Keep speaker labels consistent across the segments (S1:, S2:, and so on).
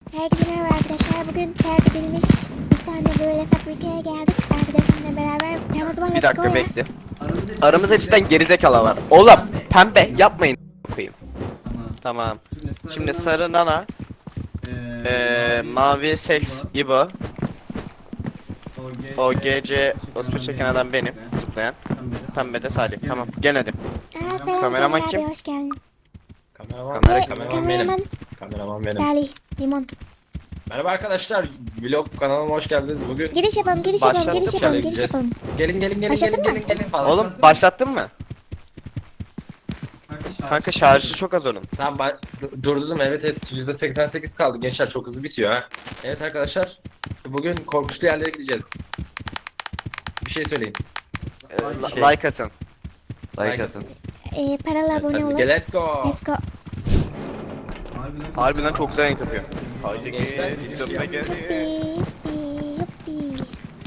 S1: Herkese merhaba arkadaşlar. Bugün terk edilmiş bir tane böyle fabrikaya geldik. Arkadaşımla beraber. Tamam o zaman
S2: Bir
S1: let's go
S2: dakika
S1: ya.
S2: bekle. Aramızda cidden gerizekalı var. Oğlum pembe yapmayın koyayım. Tamam. Şimdi sarı nana, mavi seks İbo, o gece o çeken adam benim zıplayan. Pembe de Salih. Tamam gel hadi.
S1: Selam
S2: Kameraman
S1: Caner
S2: kim?
S1: abi, hoş geldin.
S3: Kameraman,
S1: Kameraman
S3: benim. Kameraman benim.
S1: Salih, Limon.
S3: Merhaba arkadaşlar. Vlog kanalıma hoş geldiniz. Bugün
S1: Giriş yapalım, giriş yapalım,
S2: Başladık,
S1: giriş
S3: şöyle
S1: yapalım, giriş
S3: gideceğiz.
S1: yapalım.
S3: Gelin
S1: Başladın mı?
S3: fazla.
S2: Oğlum başlattın mı? Kanka şarjı çok az onun.
S3: Tamam durdurdum, evet %88 kaldı gençler, çok hızlı bitiyor ha. Evet arkadaşlar, bugün korkunçlu yerlere gideceğiz. Bir şey söyleyin.
S2: Like atın.
S3: Like atın.
S1: Paralı abone olun.
S3: Let's go.
S1: Let's go.
S2: Harbiden çok güzel renk yapıyor. Haydi
S3: Gençler,
S2: gel, gitme gel.
S1: Yuppi, yuppi, yuppi.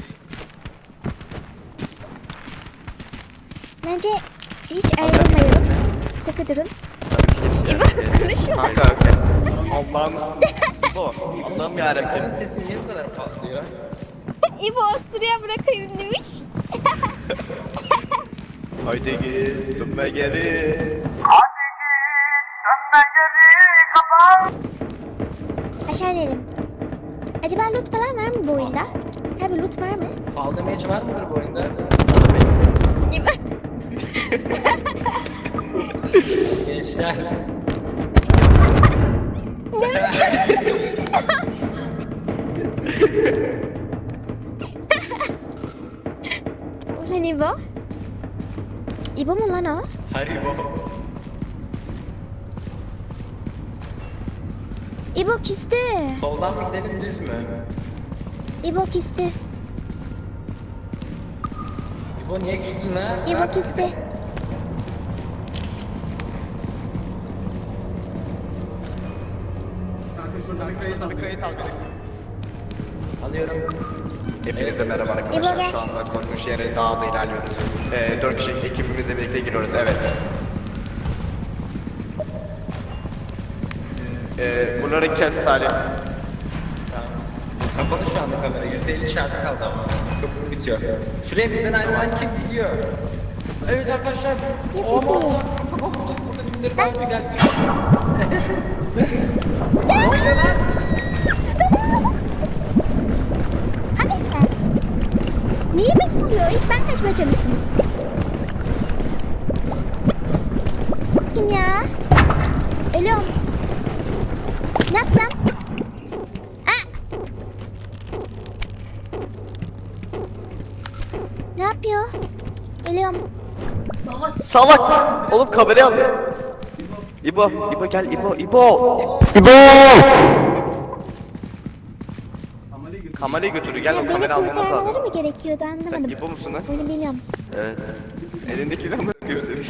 S1: Bence hiç ayrılmayalım. Sıkı durun. İbo konuşma.
S2: Kanka Allah'ım. Bu. Allah'ım yarabbim.
S3: Benim sesim niye bu kadar patlıyor?
S1: İbo Asturia bırakayım demiş.
S2: Haydi git, dönme geri.
S1: Aşağı inelim. Acaba loot falan var mı bu oyunda? Abi loot var mı?
S3: Fall damage var mıdır bu oyunda?
S1: İbo.
S3: Gençler.
S1: Ulan İbo. İbo mu lan o?
S3: Haribo.
S1: İbo küstü.
S3: Soldan mı gidelim, düz mü?
S1: İbo küstü.
S3: İbo niye küstün ha?
S1: İbo küstü.
S2: Bir kayıt al beni.
S3: Alıyorum.
S2: Hepinize merhaba
S1: İbo
S2: arkadaşlar.
S1: gel.
S2: Şu anda korkunç yere dağda ilerliyoruz. 4 kişilik ekibimizle birlikte giriyoruz. Evet. Bunları kes Salih.
S3: Kapalı şu anda kamera. %50 şarjı kaldı ama. Çok hızlı bitiyor. Şuraya bizden ayrılan kim gidiyor? Evet arkadaşlar.
S1: Yapıyor.
S3: Burada birileri daha önce gelmiş. Ne oluyor lan?
S1: Abi. Niye benim oluyor? İlk ben kaçmaya çalıştım. Kim ya? Ölüyorum. Ne yapacağım? Aa! Ne yapıyor? Ölüyorum.
S2: Salak! Oğlum kamerayı al. İbo, İbo gel İbo, İbo. İbo! Kamerayı götür, gel o
S1: Beni
S2: kamera almamız
S1: kurtarmaları
S2: lazım.
S1: mı gerekiyordu
S2: Sen
S1: anlamadım.
S2: İbo musun lan?
S1: Bunu bilmiyorum.
S2: Evet. Elindekiyle anlatıyor seni.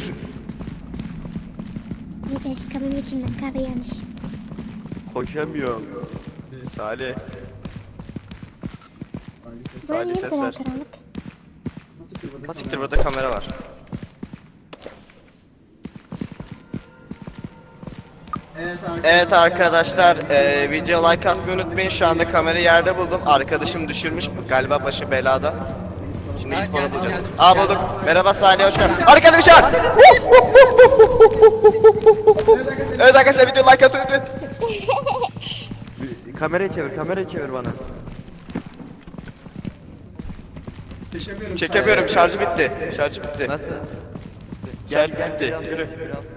S1: Neyse kabının içinden kahve gelmiş.
S2: Koşamıyorum. Salih.
S1: Böyle
S2: Salih
S1: niye bu
S2: ses
S1: kadar
S2: ver.
S1: karanlık?
S2: Siktir burada kamera var. Evet arkadaşlar, video like atmayı unutmayın. Şu anda kamerayı yerde buldum. Arkadaşım düşürmüş. Galiba başı belada. Şimdi ilk onu bulacağız. Aa bulduk. Merhaba Salih, hoş geldin. Arkadaşlar. Evet arkadaşlar, video like atmayı unutmayın.
S4: Kamerayı çevir bana.
S2: Çekemiyorum, şarjı bitti. Şarjı bitti.
S4: Nasıl?
S2: Şarjı bitti. Yürü.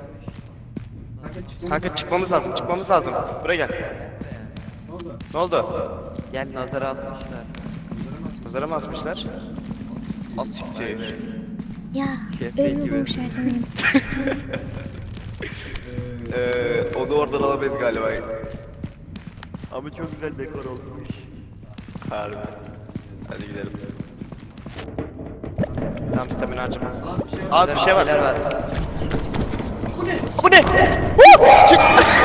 S2: Kanka çıkmamız lazım, çıkmamız lazım. Buraya gel. Ne oldu?
S4: Gel, nazara asmışlar.
S2: Nazara mı asmışlar? Az siktir.
S1: Ya
S4: Şef
S1: ölümü
S4: gibi.
S1: bulmuşlar sanırım.
S2: Onu oradan alamayız galiba.
S4: Ama çok güzel dekor olmuş.
S2: Harbi. Hadi gidelim. Tam stamina harcama. Abi bir şey var.
S4: Şeyler var.
S2: Bu ne? Çık.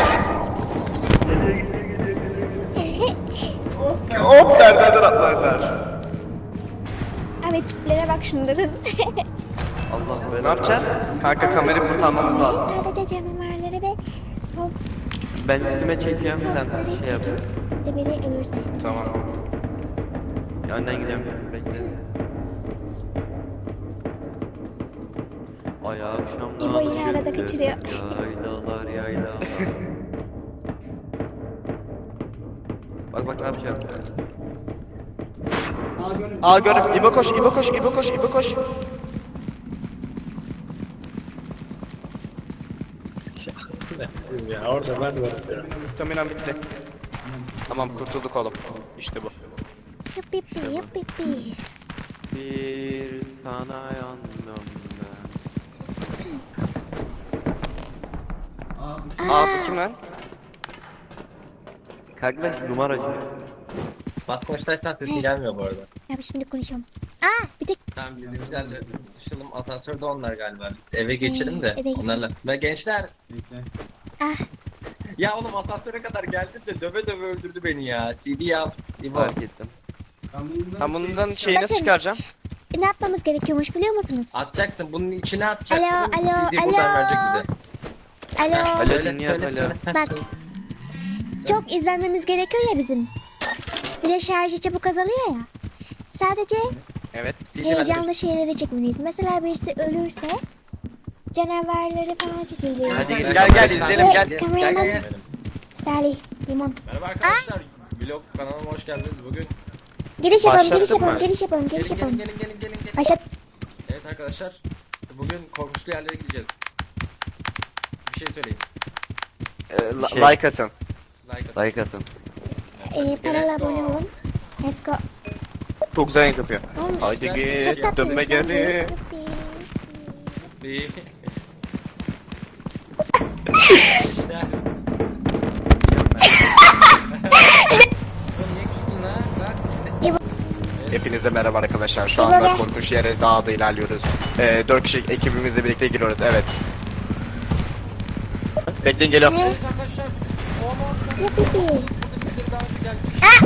S2: Hop nereden atlarlar.
S1: Abi tiplere bak şunların.
S4: Allah
S2: Ne yapacağız? Kanka kamerayı kurtarmamız lazım.
S1: Sadece canavarları ve
S4: Ben üstüme çekiyorum, sen şey yap.
S1: birlikte biri ölürse.
S2: Tamam.
S4: Önden gidiyorum. Bekle. Ay akşamdan
S1: İbo yine arada kaçırıyor.
S4: Yaylalar yaylalar. Bak bak ne yapacağım.
S2: Aa gördüm. İbo koş, İbo koş, İbo koş, İbo koş.
S3: Ya orada ben de varım.
S2: Staminam bitti. Tamam kurtulduk oğlum. İşte bu.
S1: Yuppipi yuppipi.
S4: Bir sana yandım ben.
S2: Aa bu kim lan?
S4: Kardeş numaracı.
S3: Bas konuştaysan sesin gelmiyor bu arada.
S1: Ya şimdi konuşalım. Aa bir tek
S3: Tamam bizimkilerle konuşalım. Asansörde onlar galiba. Biz eve geçelim de
S1: eve geçelim.
S3: onlarla. Ve gençler.
S1: ah
S3: Ya oğlum asansöre kadar geldim de döve döve öldürdü beni ya. CD yap. İbo.
S4: Fark ettim.
S2: Ben bundan şeyi nasıl
S1: Bakın.
S2: çıkaracağım?
S1: ne yapmamız gerekiyormuş biliyor musunuz?
S3: Atacaksın. Bunun içine atacaksın.
S1: Alo,
S3: CD buradan verecek bize.
S1: Alo.
S4: Alo,
S3: Söyle
S4: dinliyorum,
S3: söyle
S4: alo.
S3: söyle.
S1: Bak. Çok izlenmemiz gerekiyor ya bizim. Bir de şarjı çabuk azalıyor ya. Sadece
S2: Evet.
S3: CD
S1: heyecanlı şeyleri çekmeliyiz. Mesela birisi ölürse canavarları falan çekiliyor.
S4: Hadi gidelim.
S2: Gel izleyelim gel.
S3: Gel.
S1: Salih, Limon.
S3: Merhaba arkadaşlar. Vlog kanalıma hoş geldiniz. Bugün
S1: Giriş yapalım, giriş
S2: Başlattım
S1: yapalım,
S2: ben.
S1: giriş yapalım, giriş
S3: gelin
S1: yapalım.
S3: gelin.
S1: Başlat.
S3: Evet arkadaşlar. Bugün korkunçlu yerlere gideceğiz. Bir şey söyleyin.
S2: Like atın.
S3: Like atın.
S4: Like atın.
S1: Paralı
S3: Let's go.
S1: abone olun. Let's go.
S2: Çok güzel renk yapıyor.
S1: Oğlum,
S2: Haydi
S1: çok
S2: git
S1: tatlıymış
S2: dönme
S1: lan bu.
S2: geri.
S1: Yuppi.
S3: Bir. Niye küstün lan? Bak.
S2: Hepinize merhaba arkadaşlar. Şu
S1: İbo
S2: anda
S1: gel.
S2: korkunç yere dağda ilerliyoruz. 4 kişi ekibimizle birlikte giriyoruz. Evet. Bekleyin geliyorum.
S1: Ne?
S3: Evet arkadaşlar.
S1: Yuppi.
S3: Birileri daha önce gelmiş.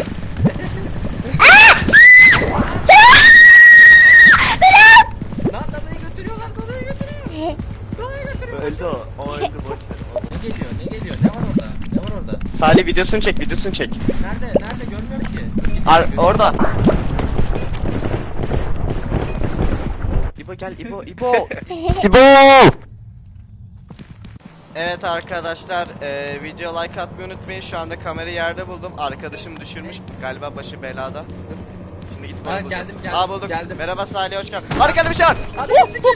S3: Lan dadayı götürüyorlar, dadayı götürüyor. Dadayı götürüyor.
S4: Öldü o. O öldü boş ver.
S3: Ne geliyor? Ne var orada? Ne var orada?
S2: Salih videosunu çek, videosunu çek.
S3: Nerede? Görmüyorum ki.
S2: Orada. İbo gel, İbo. Evet arkadaşlar, video like atmayı unutmayın. Şu anda kamerayı yerde buldum. Arkadaşım düşürmüş. Galiba başı belada. Şimdi gidip
S3: Ha,
S2: onu bulacağım.
S3: geldim,
S2: Aa buldum.
S3: geldim.
S2: Merhaba Salih, hoş geldin. Arkada bir şey var.
S1: Bir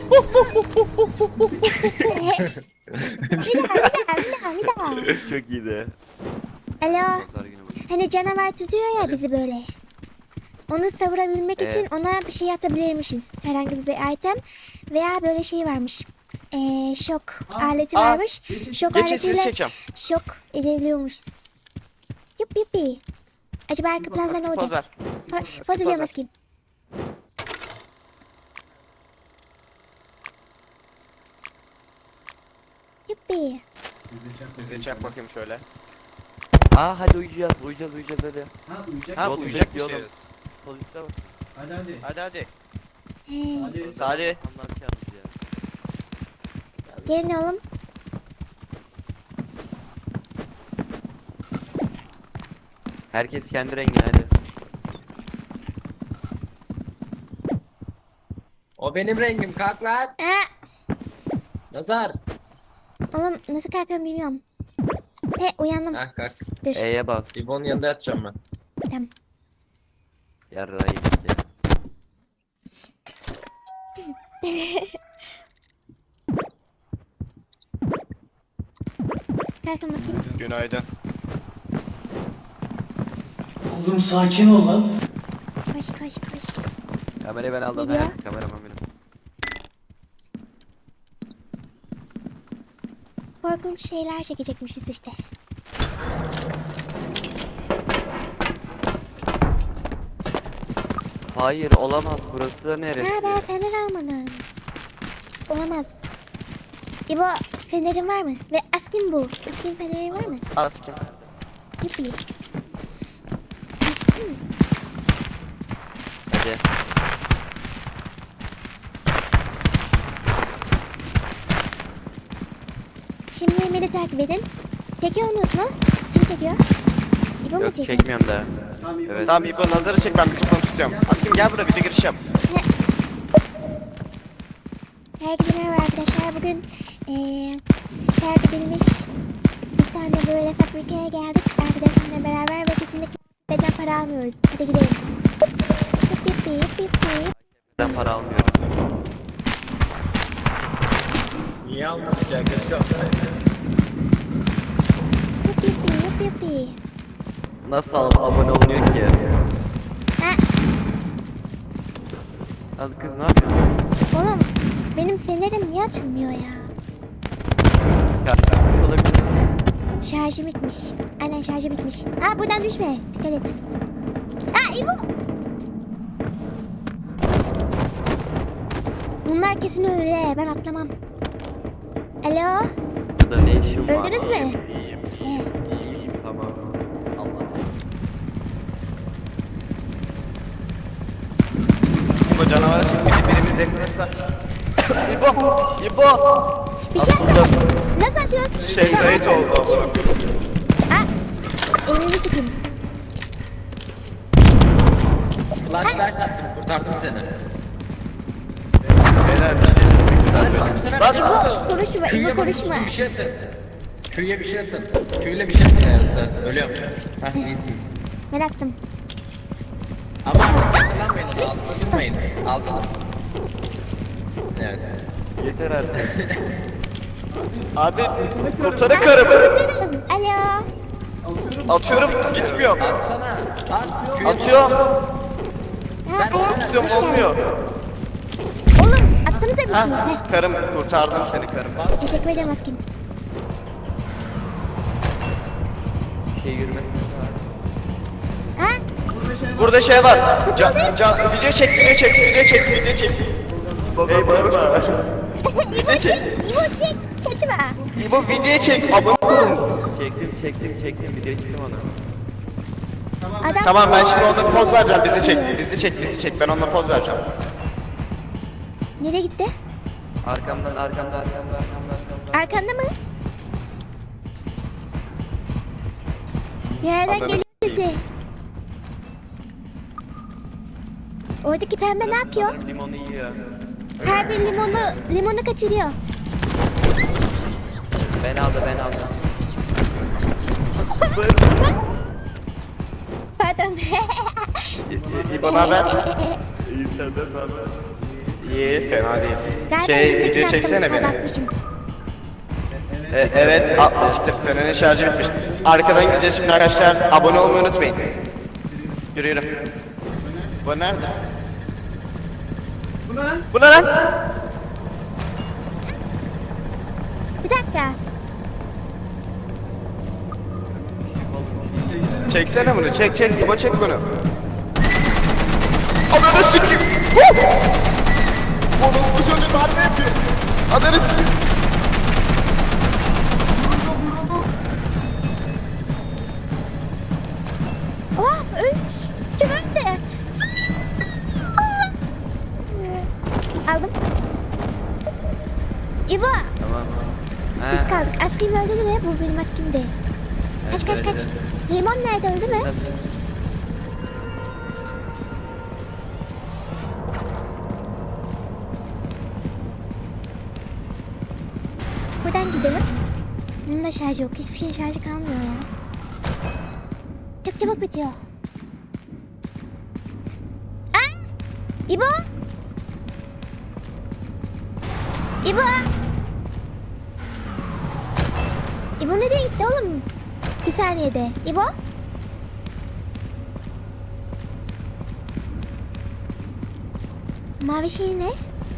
S1: daha.
S4: Çok iyiydi.
S1: Alo.
S4: Pazar günü bu.
S1: Hani canavar tutuyor ya bizi böyle. Onu savurabilmek için ona bir şey atabilirmişiz. Herhangi bir item. Veya böyle şey varmış. Şok aleti
S2: Aa,
S1: varmış. Şok
S2: Geçin sizi
S1: aletiyle
S2: çekeceğim.
S1: şok edebiliyormuşuz. Yuppi. Acaba arka planda ne
S2: Poz
S1: olacak?
S2: ver.
S1: Poz veriyor maskeyim. Yuppi.
S2: Bize çak bakayım şöyle.
S4: Aa hadi uyuyacağız hadi.
S2: Ha
S4: Yol
S2: uyuyacak
S4: üstü
S2: bir
S4: yolum.
S2: şeyiz.
S4: Sol üstte bak.
S2: Hadi.
S1: He.
S2: Salih.
S4: Anlar yalnız ya.
S1: Gelin oğlum.
S4: Herkes kendi rengine hadi.
S3: O benim rengim, kalk lan. Nazar.
S1: Oğlum nasıl kalkıyorum bilmiyorum. He uyandım.
S3: Ha kalk.
S1: Dur.
S4: E'ye bas.
S3: İbo'nun yanında yatacağım ben.
S1: Tamam.
S4: Yarrayı işte.
S1: Kalkın bakayım.
S2: Günaydın.
S5: Oğlum sakin ol lan.
S1: Koş.
S4: Kamerayı ben aldım.
S1: Ne diyor?
S4: He, kameraman benim.
S1: Korkunç şeyler çekecekmişiz işte.
S4: Hayır olamaz burası neresi?
S1: Ha ben fener almadım. Olamaz. İbo fenerin var mı? Ve askin bu. Askin fenerin var mı?
S2: Askin.
S1: Yuppi.
S4: Hadi.
S1: Şimdi beni takip edin. Çekiyorsunuz mu? Kim çekiyor? İbo mu
S4: Yok
S1: çekiyor?
S4: çekmiyorum da. Evet.
S2: Tamam İbo nazarı çek, ben mikrofonu tutuyorum. Askim gel buraya, video giriş yap.
S1: Herkese merhaba arkadaşlar. Bugün terk edilmiş bir tane böyle fabrikaya geldik arkadaşımla beraber ve kesinlikle beden para almıyoruz. Hadi gidelim. Pip pip pip pip pip.
S4: Ben para almıyorum.
S3: Niye almadık ya? Keşke alsaydık.
S1: Pip pip pip pip pip.
S4: Nasıl abone olunuyor ki?
S1: Ha,
S4: Hadi kız ne yapıyorsun?
S1: oğlum benim fenerim niye açılmıyor ya?
S4: Yapmış olabilir.
S1: Şarjı bitmiş. Aynen şarjı bitmiş. Ha buradan düşme. Dikkat et. Ha İbo. Bunlar kesin öyle. Ben atlamam. Alo.
S4: Burada ne işin var?
S1: Öldünüz mü? He.
S4: İyiyiz tamam. Allah.
S2: İbo canavar çıkmış, birimiz yakınırsa. İbo!
S1: Bir şey atla. Nasıl atıyoruz?
S2: Şey Zahit oldu.
S1: Ha. Elini sıkayım.
S3: Flashlight attım, kurtardım seni.
S2: Beyler bir şey.
S3: Bu sefer
S2: Lan-
S1: İbo konuşma.
S3: Q'ya
S1: İbo
S3: basın,
S1: konuşma.
S3: bir şey atın. Q'ya bir şey atın. Q'yle bir şey atın yani sen. Ölüyorum. Heh iyisiniz.
S1: Ben attım.
S3: Ama hatırlanmayın onu, altına durmayın. Altına. Evet.
S4: Yeter artık.
S2: Abi kurtarın karımı.
S1: Kurtarın. Alo.
S2: Atıyorum, gitmiyor.
S3: Atsana. At. Q'ya
S2: Atıyorum,
S1: Ha,
S3: Ben-
S1: ayak.
S2: atıyorum
S1: Hoş geldin.
S2: olmuyor.
S1: Oğlum atsanıza bir şey. Heh.
S2: Karım, kurtardım seni karım.
S1: Teşekkür ederim Askim.
S4: Bir şey yürümesin.
S1: Ha?
S2: Burada şey var. Video çek, video çek, video çek, video çek.
S4: Hey bağırma.
S1: İbo çek. İbo çek. Kaçma.
S2: İbo video çek, abone olun.
S4: Çektim video çektim onu.
S1: Adam
S2: Tamam ben şimdi ona poz vereceğim, bizi çek, ben ona poz vereceğim.
S1: nereye gitti?
S4: Arkamdan.
S1: Arkanda mı? Bir yerden
S2: Anladım.
S1: geliyor sesi. Oradaki pembe ne yapıyor?
S4: Limonu yiyor.
S1: Her bir limonu kaçırıyor.
S4: Ben aldım.
S1: Pardon.
S2: İbo naber?
S4: İyi senden haber.
S2: İyi, fena değil.
S1: Galiba
S2: Şey,
S1: önceki
S2: video
S1: yaptım,
S2: çeksene beni.
S1: kapatmışım.
S2: Evet, siktir, fenerin şarjı bitmiş. Arkadan gideceğiz şimdi arkadaşlar, abone olmayı unutmayın. Yürü. Bu nerede? Bu ne lan?
S1: Bir dakika.
S2: Çeksene bunu, çek, İbo çek bunu. Ananı sikeyim. Oğlum bu çocuk darbe yapıyor. Ananı sikeyim.
S1: Oh ölmüş. Çabuk de. Aldım. İbo.
S4: Tamam.
S1: Biz kaldık. Askim öldü değil mi? Bu benim askimdi. Kaç. Limon nerede, öldü mü? Buradan gidelim. Bunun da şarjı yok. Hiçbir şeyin şarjı kalmıyor ya. Çok çabuk bitiyor. Aa! İbo! İbo! İbo nereye gitti oğlum? Bir saniyede. İbo? Mavi şey ne?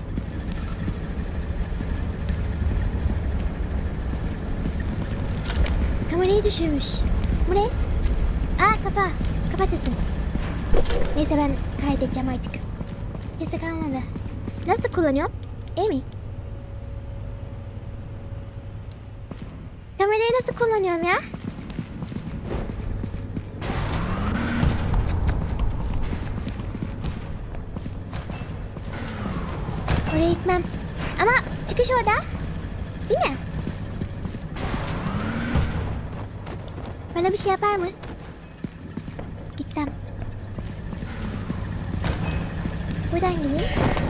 S1: Kamerayı düşürmüş. Bu ne? Aa kafa. Kafatası. Neyse ben kaydedeceğim artık. Kimse kalmadı. Nasıl kullanıyorum? İyi mi? Kamerayı nasıl kullanıyorum ya? Oraya gitmem. Ama çıkış orada. Değil mi? Bana bir şey yapar mı? Şuradan gideyim.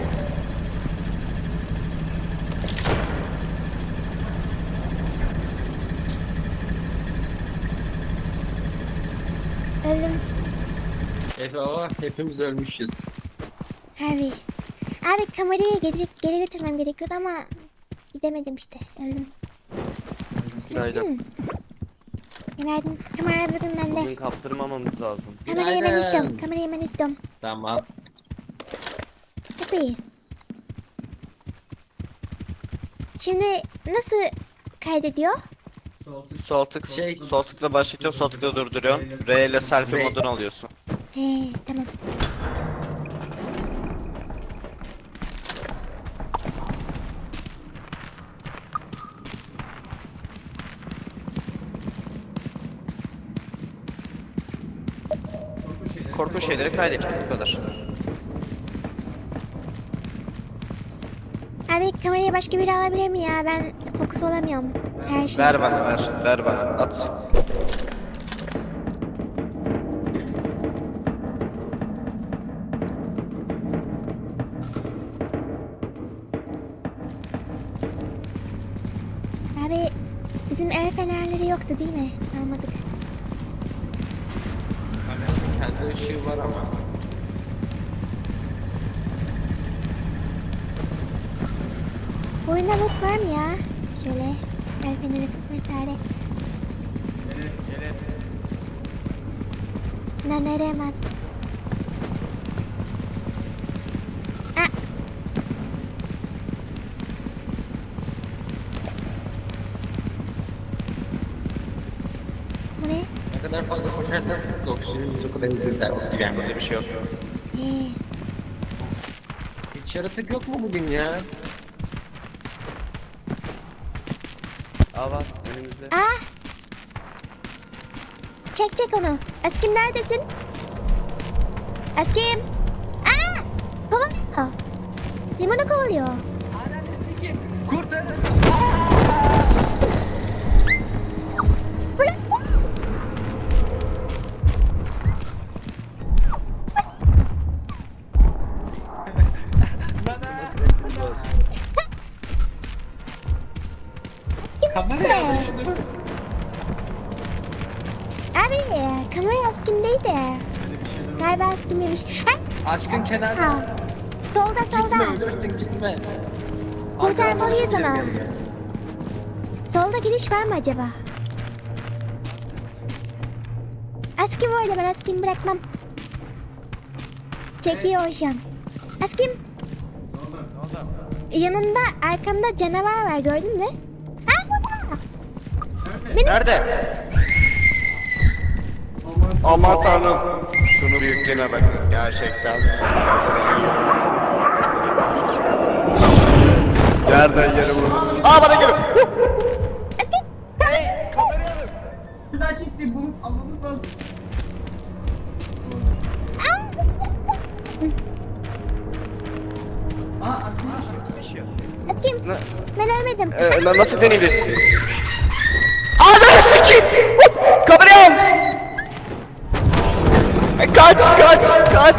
S1: Öldüm.
S3: Efe o hepimiz ölmüşüz.
S1: Harbi. Abi kamerayı geri götürmem gerekiyordu ama gidemedim işte. Öldüm.
S2: Günaydın.
S1: Günaydın. Kamera bugün bende.
S4: Bugün kaptırmamamız lazım.
S1: Kamerayı ben
S3: Günaydın.
S1: istiyorum. Kamerayı ben istiyorum.
S3: Tamam.
S1: Tabii. Şimdi nasıl kaydediyor?
S2: Sol tıkla başlatıyorsun, sol tıkla durduruyorsun. R ile selfie
S3: R.
S2: modunu alıyorsun.
S1: He tamam.
S2: Korkunç şeyleri kaydettik, bu kadar.
S1: Abi kamerayı başka biri alabilir mi ya? Ben fokus olamıyorum. Her şey.
S2: Ver bana, ver bana, at.
S1: Abi bizim el fenerleri yoktu değil mi? Almadık.
S3: Kameranın kendi ışığı var ama.
S1: Bu oyunda loot var mı ya? Şöyle el feneri vesaire. Nereye hemen? Ah! Bu ne?
S3: Ne kadar fazla koşarsanız oksijeniniz o kadar hızlı gider. Oksijen
S2: Burada bir şey yok.
S3: Hiç yaratık yok mu bugün ya?
S4: Aa var önümüzde.
S1: Ah! Çek onu. Askim neredesin? Askim! Aa! Kovalıyor. Limonu kovalıyor.
S3: Ananı sikim. Kurtarın.
S1: Bırak!
S3: Kameraya alın şunu.
S1: Abi kamera Askim'deydi. Galiba Askim'ymiş. Ha!
S3: Aşkın kenarda.
S1: Ha. Solda
S3: Gitme
S1: solda.
S3: ölürsün gitme.
S1: Kurtarmalıyız
S3: Arkadan
S1: onu.
S3: başım geliyor.
S1: Solda giriş var mı acaba? Askim orada, ben Askim'i bırakmam. Çekiyor şu an. Askim. Yanında arkanda canavar var, gördün mü? Ha burada.
S2: Nerede? Aman tanrım. Şunu büyüklüğüne bak. Gerçekten. Nereden yere vurdun? Aa bana geliyor.
S1: Askim.
S5: Bir daha çekti, bunu almamız lazım. Aa aslında
S1: Askim.
S2: Ne?
S1: Ben ölmedim.
S2: Nasıl deneydi? Ananı sikeyim! Kamerayı al! Kaç!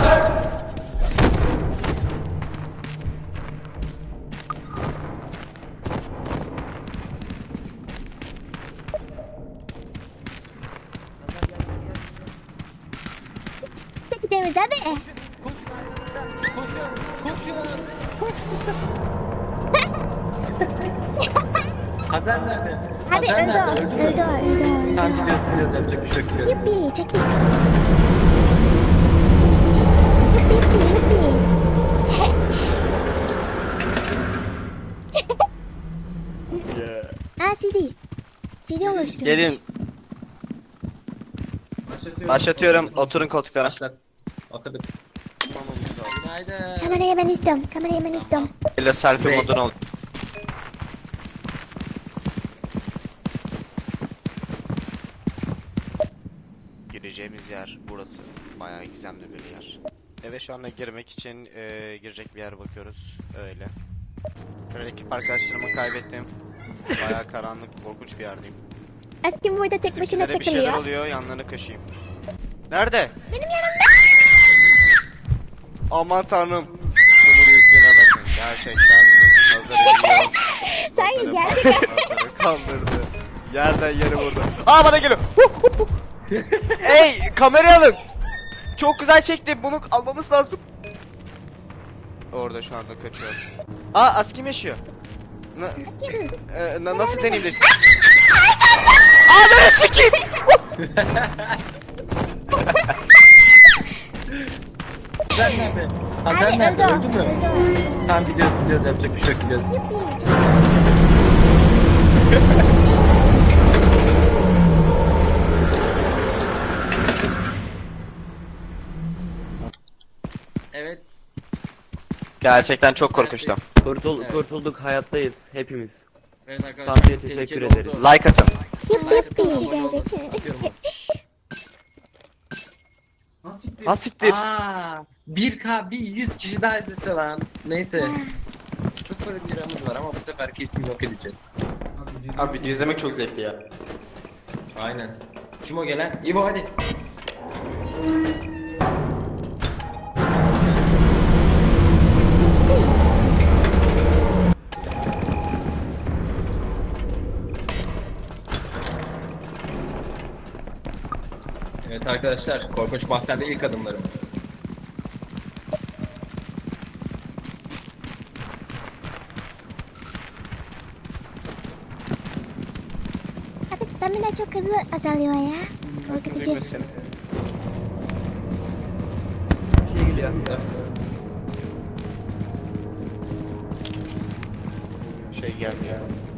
S1: Çekeceğimiz hadi.
S3: Koşun arkanızda. Koşun. Hazar nerede?
S1: Hadi
S3: Hazar
S1: öldü
S3: nerede?
S1: o. Öldü o.
S3: Tamam gidiyoruz yapacak bir şey yok gidiyoruz.
S1: Yuppi çektik. Yuppi.
S4: Yeah.
S1: Aa CD. CD oluşturuyormuş.
S2: Gelin. Başlatıyorum. Oturun koltuklara.
S3: Başlat. Oturduk.
S4: Tutmamamız lazım.
S3: Günaydın.
S1: Kamerayı ben istiyorum.
S2: Elle selfie
S3: Bey.
S2: modunu al. Gireceğimiz yer burası. Bayağı gizemli bir yer. Eve şu anda girmek için girecek bir yer bakıyoruz. Öyle. Böyle ekip arkadaşlarımı kaybettim. Bayağı karanlık, korkunç bir yerdeyim.
S1: Askim burada tek başına
S2: Bizimkilere bir şeyler
S1: takılıyor.
S2: oluyor, yanlarını kaşıyım. Nerede?
S1: Benim yanımda.
S2: Aman tanrım. Gerçekten nazarı yiyor.
S1: Sanki gerçekten.
S2: Nazarı kandırdı. Yerden yere vurdu. Aa bana geliyor. Ey kamerayı alın. Çok güzel çekti. Bunu almamız lazım. Orada şu anda kaçıyor. Aa Askim yaşıyor. Nasıl deneyim de? Aa sikeyim.
S3: Sen nerede? Ha sen
S1: Abi,
S3: nerede?
S1: öldü o,
S3: Öldün mü?
S1: öldü o.
S3: Tamam gidiyoruz yapacak bir şey yok gidiyoruz.
S1: Yuppi, çok
S3: Evet.
S2: Gerçekten çok korkunçtu.
S3: Evet.
S4: Kurtulduk hayattayız hepimiz.
S3: Evet arkadaşlar.
S4: Tanrı'ya
S3: tehlikeli
S4: teşekkür
S3: oldu.
S4: ederiz.
S2: Like atın.
S1: Yuppi yuppi gelecek.
S3: Atıyorum.
S5: Nasıl bir
S2: Ha siktir.
S3: Aa, 1K bir 100 kişi daha izlese lan. Neyse. 0 liramız var ama bu sefer kesin yok edeceğiz.
S2: Abi video izlemek çok zevkli ya.
S3: Aynen. Kim o gelen? İbo hadi. Evet arkadaşlar, Korkunç Mahzen'de ilk adımlarımız.
S1: Abi stamina çok hızlı azalıyor ya. Korkutucu.
S4: Şey geliyor.
S2: Şey gelmiyor.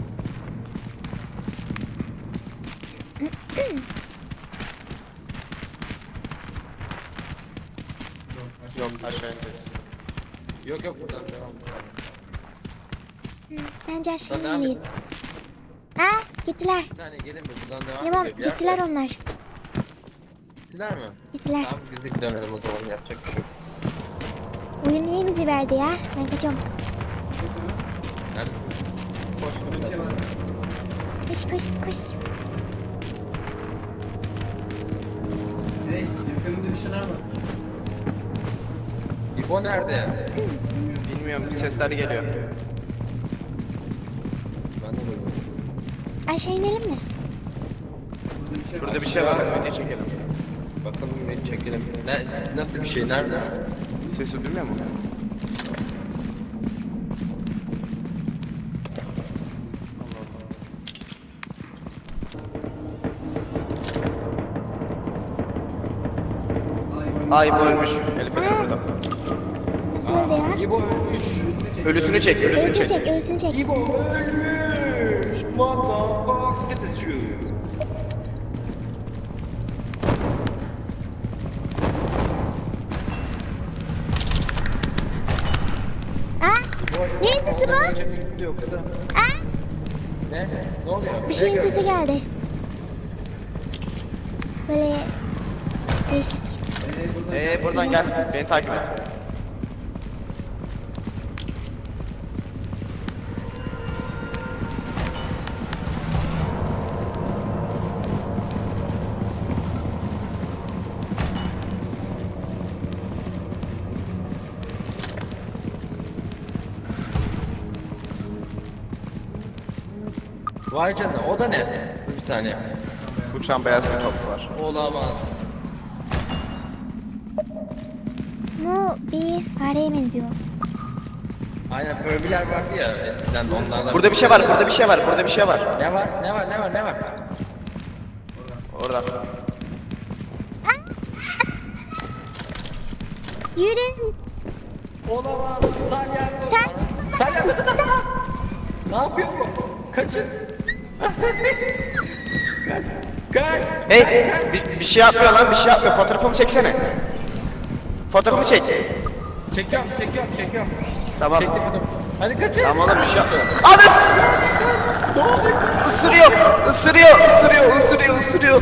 S2: Yok aşağı ineceğiz.
S3: Yok yok buradan devam bir saniye.
S1: Bence aşağı
S3: Buradan devam
S1: inmeliyiz. Aa gittiler.
S3: Bir saniye gelin mi? Buradan devam
S1: Tamam
S3: ediyor. Bir
S1: gittiler
S3: yerde-
S1: onlar.
S3: Gittiler mi?
S1: Gittiler.
S3: Tamam biz de dönelim o zaman yapacak bir şey yok.
S1: Oyun niye bizi verdi ya? Ben kaçıyorum.
S3: Neredesin? Koş koş.
S5: şey var.
S1: Koş koş koş.
S5: Hey, yakınımda bir şeyler var.
S3: İbo nerede?
S2: Bilmiyorum sesler geliyor.
S3: Ben de buradayım.
S1: Aşağı inelim mi?
S2: Şurada bir şey var. Video çekelim.
S3: Bakalım bir çekelim. Nasıl bir şey? Nerede?
S2: Sesi duymuyor mu? Ay bu ölmüş. Elif Fener burada.
S1: Nasıl öldü ya?
S3: İbo ölmüş.
S2: Ölüsünü çek, ölüsünü
S1: Ölsün
S2: çek.
S1: çek, ölsün çek.
S3: İbo ölmüş. What the fuck? Look at this shoes.
S1: Aa, ne sesi bu?
S3: Yoksa.
S1: Aa,
S3: Ne? Ne oluyor?
S1: bir şeyin
S3: Ne
S1: sesi geldi. Böyle değişik.
S2: Buradan gel. Beni takip et.
S3: Vay canına o da ne? Dur bir saniye.
S2: Uçan beyaz bir top var.
S3: Olamaz.
S1: Bu bir fareye benziyor.
S3: Aynen Furby'ler vardı ya eskiden onlardan.
S2: Burada bir şey var, burada bir şey var, burada bir şey var.
S3: Ne var? Ne var? Ne var? Ne var?
S2: Orada.
S1: Yürü.
S3: Olamaz. Salya.
S1: Sen.
S3: Salya. Ne yapıyor bu? Kaçın. Kaç. Kaç.
S2: Hey, bir şey yapmıyor lan, bir şey yapmıyor. Fotoğrafımı çeksene. Fotoğrafımı çek.
S3: Çekiyorum.
S2: Tamam.
S3: Çektim bunu. Hadi kaçın.
S2: Tamam oğlum bir şey yapmıyor. Abi!
S3: Ne oldu?
S2: Isırıyor.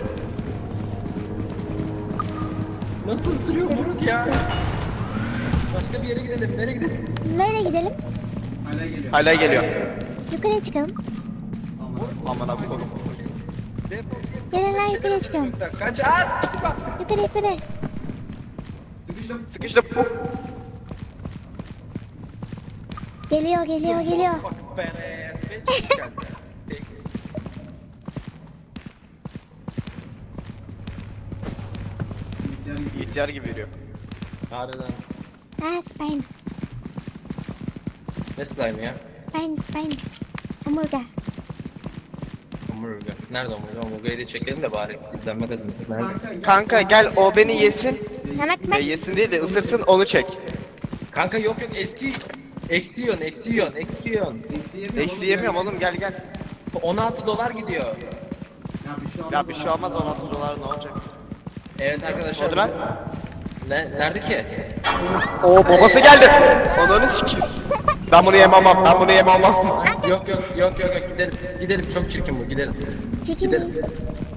S3: Nasıl ısırıyor moruk ya? Başka bir yere gidelim. Nereye gidelim?
S1: Nereye gidelim?
S5: Hala geliyor.
S2: Hala geliyor.
S1: Yukarıya çıkalım.
S2: Aman abi oğlum.
S1: Gelin lan yukarıya çıkalım.
S3: Kaç. Aa, sıkıştı bak.
S1: Yukarı yukarı.
S5: Sıkıştım.
S2: Sıkıştım.
S1: Geliyor geliyor geliyor.
S3: Fucking badass bitch. Gel. Peki.
S2: İhtiyar gibi yürüyor.
S3: Harbiden.
S1: Ha Spain.
S3: Ne slime ya?
S1: Spain. Omurga.
S3: Omurga. Nerede omurga? Omurgayı da çekelim de bari izlenme kazanırız. Nerede?
S2: Kanka gel o beni yesin.
S1: Mehmet bak.
S2: Yesin değil de ısırsın onu çek.
S3: Kanka yok eski. Eksi yiyorsun.
S5: Eksi yemiyorum.
S2: Eksi yemiyorum oğlum gel gel.
S3: 16 dolar gidiyor.
S5: Ya bir şey olmaz.
S2: Ya bir şey olmaz 16 dolar ne olacak?
S3: Evet arkadaşlar.
S2: Hadi lan.
S3: Nerede ki?
S2: Oo babası geldi. Ananı sikeyim. Ben bunu yemem. Ben bunu yemem.
S3: Yok gidelim. Gidelim çok çirkin bu gidelim.
S1: Çekin
S3: Gidelim.
S1: mi?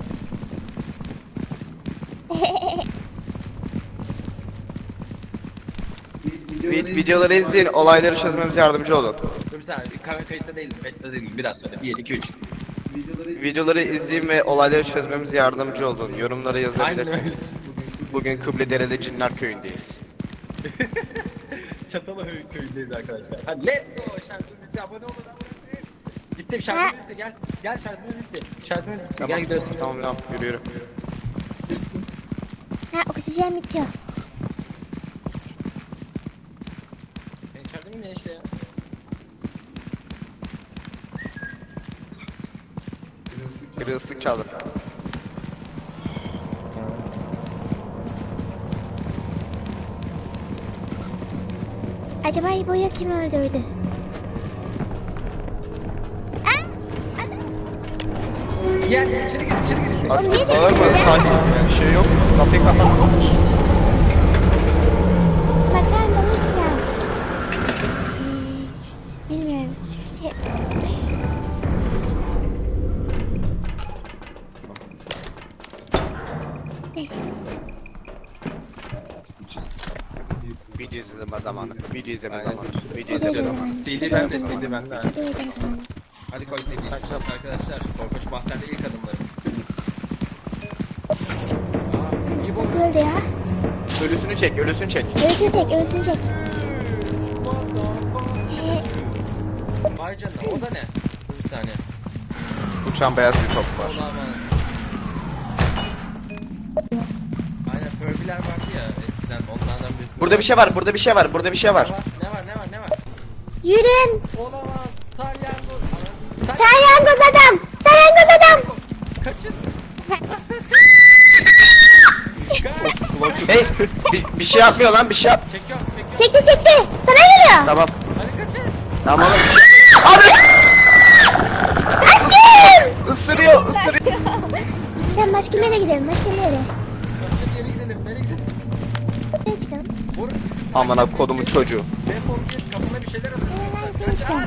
S2: Videoları izleyin, olayları çözmemize yardımcı olun.
S3: Dur bir saniye kamera kayıtta değilim. Kayıtta değilim. Biraz sonra 1 2 3.
S2: Videoları izleyin ve olayları çözmemize yardımcı olun. Yorumlara
S3: Aynen öyle.
S2: yazabilirsiniz. Bugün Kıbledereli Cinler Köyü'ndeyiz.
S3: Çatalhöyük köyündeyiz arkadaşlar. Hadi let's go. Şarjımız bitti. Abone olun. Bitti şarjımız bitti. Gel şarjımız bitti. Şarjımız bitti. Gel gidiyoruz.
S2: Tamam yürü.
S1: Ha oksijen bitiyor.
S3: Sen içeride miyim ya işte ya?
S2: Biri ıslık çaldı.
S1: Acaba İbo'yu kim öldürdü?
S3: Gel içeri gir.
S1: Oğlum niye
S2: Bağırma,
S1: çekiyorsun ya?
S2: sakin. Bir şey yok. Kapıyı kapat.
S1: Bakar mısın ya? Bilmiyorum.
S2: Video izleme zamanı. Video izleme
S3: Aynen.
S2: zamanı. Video
S1: Video
S2: izleme
S1: izleme.
S2: zamanı.
S3: CD bende, CD bende. ha.
S1: Hadi edelim tamam.
S3: Hadi koy CD. Arkadaşlar, Korkunç Mahzen'de ilk adımlarımız. Aa, iyi bu.
S1: Nasıl öldü ya?
S2: Ölüsünü çek.
S1: Ölsün çek.
S3: Vay canına, o da ne? Dur bir saniye.
S2: Uçan beyaz bir top var.
S3: Olamaz. Aynen, Furby'ler vardı ya eskiden, onlardan birisi.
S2: Burada bir şey var. Burada bir şey var. Burada bir şey var.
S3: Ne var?
S1: Yürüyün.
S3: Olamaz, salyangoz.
S1: Salyangoz adam.
S3: Kaçın.
S2: Hey, bir şey yapmıyor lan. Bir şey yap.
S3: Çekiyorum.
S1: Çekti. Sana geliyor.
S2: Tamam.
S3: Hadi kaçın.
S2: Tamam oğlum. Bir şey... Abi! Isırıyor.
S1: Tamam başka bir yere gidelim.
S3: Başka bir yere gidelim. Nereye gidelim?
S1: Nereye çıkalım?
S2: Amına kodumun çocuğu.
S3: Defol git, kafana bir şeyler atın.
S1: Nereye çıkalım?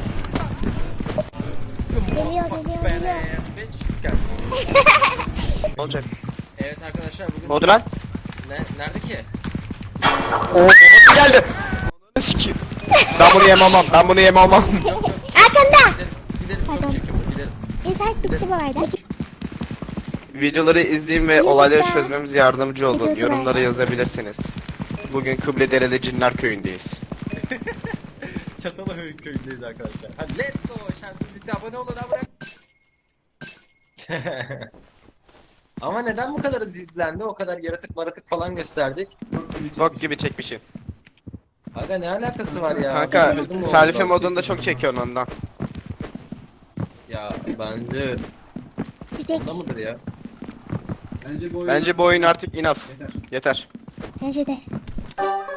S1: Geliyor.
S2: Ne olacak?
S3: Evet arkadaşlar bugün...
S2: Ne oldu lan?
S3: Nerede ki?
S2: Oo babası geldi. Ananı sikeyim. Ben bunu yemem.
S1: Arkanda.
S3: Gidelim
S1: Pardon.
S3: çok çekim gidelim.
S1: İnsan bitti bu arada.
S2: Videoları izleyin ve
S1: YouTube'da
S2: olayları çözmemize yardımcı olun.
S1: videosu
S2: Yorumlara
S1: var.
S2: yazabilirsiniz. Bugün Kıbledereli Cinler Köyü'ndeyiz.
S3: Çatalhöyük köyündeyiz arkadaşlar. Hadi let's go. Şansımız bitti. Abone olun abone. Ama neden bu kadar hızlı izlendi? O kadar yaratık falan gösterdik.
S2: Bok gibi çekmişsin.
S3: Aga ne alakası var ya?
S2: Kanka
S3: Bir çözüm mü
S2: Salife
S3: oldu?
S2: modunda çok çekiyorsun ondan.
S3: Ya bence
S1: Çiçek.
S3: onda mıdır ya?
S5: Bence bu oyun
S2: Bence bu oyun artık enough.
S5: yeter.
S2: Yeter.
S1: Bence de.